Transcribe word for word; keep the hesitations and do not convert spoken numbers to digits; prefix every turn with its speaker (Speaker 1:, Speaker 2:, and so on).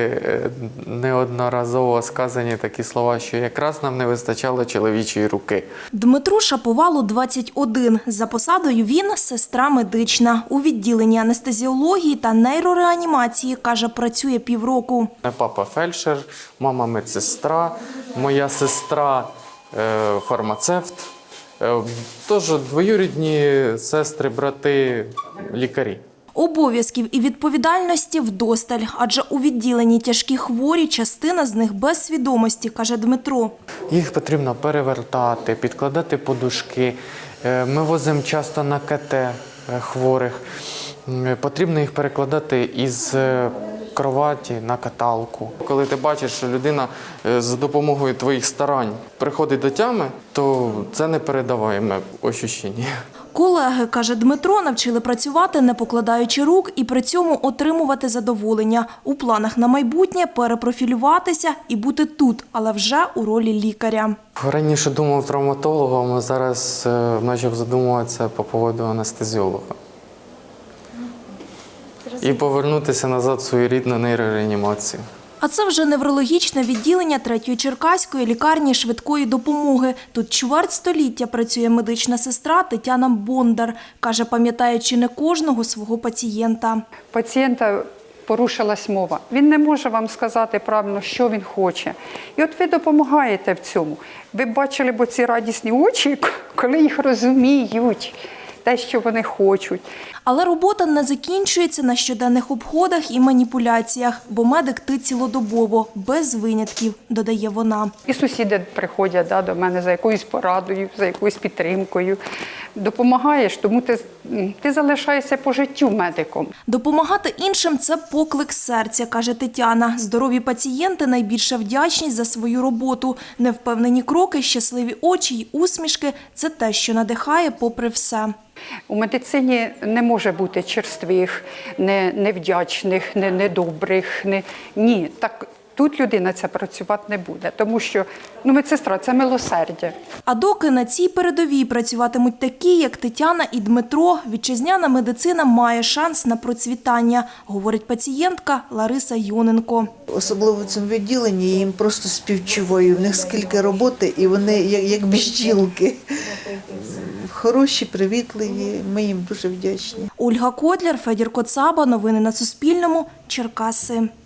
Speaker 1: е, неодноразово сказані такі слова, що якраз нам не вистачало чоловічої руки.
Speaker 2: Дмитру Шаповалу двадцять один. За посадою він – сестра медична. У відділенні анестезіології та нейрореанімації, каже, працює півроку.
Speaker 1: Папа фельдшер, мама медсестра, моя сестра е, фармацевт. Е, тож двоюрідні сестри, брати, лікарі.
Speaker 2: Обов'язків і відповідальності вдосталь, адже у відділенні тяжкі хворі, частина з них без свідомості, каже Дмитро.
Speaker 1: Їх потрібно перевертати, підкладати подушки. Е, Ми возимо часто на ка те е, хворих. Е, Потрібно їх перекладати із е, кроваті на каталку. Коли ти бачиш, що людина е, за допомогою твоїх старань приходить до тями, то це непередаваєме відчуття.
Speaker 2: Колеги, каже Дмитро, навчили працювати, не покладаючи рук, і при цьому отримувати задоволення. У планах на майбутнє – перепрофілюватися і бути тут, але вже у ролі лікаря.
Speaker 1: Раніше думав травматологом, а зараз е, почав задумуватися по поводу анестезіолога. І повернутися назад в свою рідну нейрореанімацію.
Speaker 2: А це вже неврологічне відділення третьої черкаської лікарні швидкої допомоги. Тут чверть століття працює медична сестра Тетяна Бондар. Каже, пам'ятаючи не кожного свого пацієнта.
Speaker 3: Пацієнта порушилась мова. Він не може вам сказати правильно, що він хоче. І от ви допомагаєте в цьому. Ви б бачили б ці радісні очі, коли їх розуміють, те, що вони хочуть.
Speaker 2: Але робота не закінчується на щоденних обходах і маніпуляціях, бо медик ти цілодобово, без винятків, додає вона.
Speaker 3: І сусіди приходять да, до мене за якоюсь порадою, за якоюсь підтримкою. Допомагаєш, тому ти, ти залишаєшся по життю медиком.
Speaker 2: Допомагати іншим – це поклик серця, каже Тетяна. Здорові пацієнти – найбільша вдячність за свою роботу. Невпевнені кроки, щасливі очі й усмішки – це те, що надихає попри все.
Speaker 3: У медицині не може бути черствих, не, невдячних, не, недобрих. Не, ні, так тут людина ця працювати не буде, тому що ну, медсестра – це милосердя.
Speaker 2: А доки на цій передовій працюватимуть такі, як Тетяна і Дмитро, вітчизняна медицина має шанс на процвітання, говорить пацієнтка Лариса Йоненко.
Speaker 4: Особливо в цьому відділенні я їм просто співчуваю. В них скільки роботи, і вони як, як бджілки. Хороші, привітливі, ми їм дуже вдячні.
Speaker 2: Ольга Котляр, Федір Коцаба. Новини на Суспільному. Черкаси.